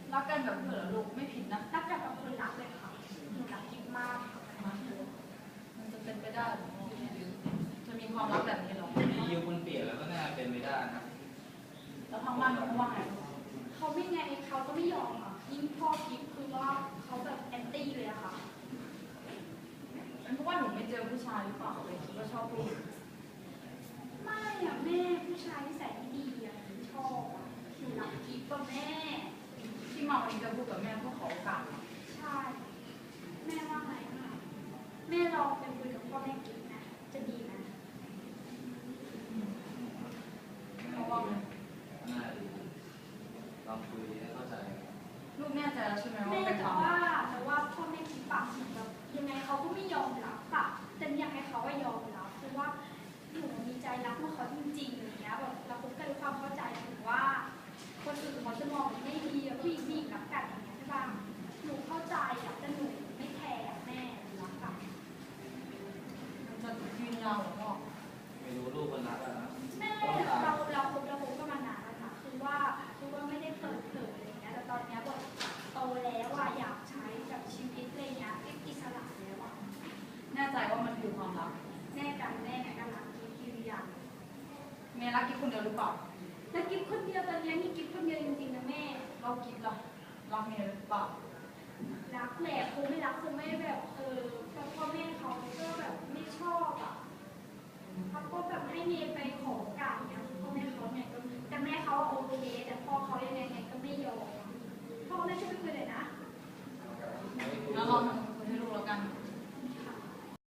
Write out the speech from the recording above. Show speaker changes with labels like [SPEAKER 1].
[SPEAKER 1] รักกันแบบเพื่อนลูกไม่ผิดนะ
[SPEAKER 2] รักกันแบบคนรักเลยค่ะหนูรักกิ๊บมาก
[SPEAKER 1] มันจะเป็นไปได้หรอจะมีความรักแบบนี้หรอ
[SPEAKER 3] มียูคนเปลี่ยนแล้วก็น่าเป็นไม่ได้นะ
[SPEAKER 1] แล้วทางบ้านเขาว่าไง
[SPEAKER 2] เขาไม่ไงเขาก็ไม่ยอมอ่ะยิ่งพ่อกิ๊บคือว่าเขาแบบแอนตี้เลยอะค่ะ
[SPEAKER 1] เป็นเพราะว่าหนูไม่เจอผู้ชายหรือเปล่าเลยคิดว่าชอบผู้หญิง
[SPEAKER 2] ไม่อะแม่ผู้ชายที่ใส่ดีอะหนูชอบอะหนูรักกิ๊บกับแม่
[SPEAKER 1] ที่มาวันนี้จะพูดกับแม่เพื่อขอโอกาส
[SPEAKER 2] ใช่แม่ว่าไงคะแม่ลองไปคุยกับพ่อแม่กิ๊บนะจะดีนะ
[SPEAKER 1] เพราะว่า
[SPEAKER 3] น่าดีลองคุยให้เข้าใจ
[SPEAKER 1] ลูกแน่ใจแล้วใช่ไหมว่า
[SPEAKER 2] แม่
[SPEAKER 1] เป็นความ
[SPEAKER 2] แต่ว่าพ่อแม่กิ๊บปากเหมือนแบบยังไงเขาก็ไม่ยอมรับอะแต่อยากให้เขาว่ายอมรับเพราะว่าหนูมีใจรักพวกเขาจริงๆอย่างเงี้ยแบบเราคบกันด้วยความเข้าใจถึงว่าคนอื่นเขาจะมองไม่ดีผู้หญิงรักกันอย่างเงี้ยใช่ป่ะหนูเข้าใจอะแต่หนูไม่แคร์แม่รักกัน
[SPEAKER 1] มันจะยืนยาวหรือเปล่า
[SPEAKER 3] ไม่รู้ลูกคนรักแล้วนะ
[SPEAKER 2] แม่เราคบกันมานานแล้วค่ะคือว่าไม่ได้เปิดเผยอะไรเงี้ยแต่ตอนเนี้ยแบบโตแล้วอะอยากใช้กับชีวิตอะไรเงี้ยอิสระแล้วอะ
[SPEAKER 1] แน่ใจว่ามันคือความรัก
[SPEAKER 2] แม่กันรักกิ๊บอย่าง
[SPEAKER 1] แม่รักกิ๊บคนเดียวหรือเปล่า
[SPEAKER 2] แล้วกิ๊บคนเดียวตอนนี้มีกิ๊บคนเดียวจริงๆนะแม่
[SPEAKER 1] เรากิ๊บล่ะรักเมียหรือเปล่า
[SPEAKER 2] รักแหละคงไม่รักคงไม่แบบพ่อแม่เขาก็แบบไม่ชอบอ่ะเขาก็แบบให้เมย์ไปขอการเนี่ยพ่อแม่เขาเนี่ยก็แต่แม่เขาโอเคแต่พ่อเขายังไงก็ไม่ยอมพ่อแม่ช่วยไปคุยเลยนะ
[SPEAKER 1] แล้วเราทำคุยให้ลูกแล้วกัน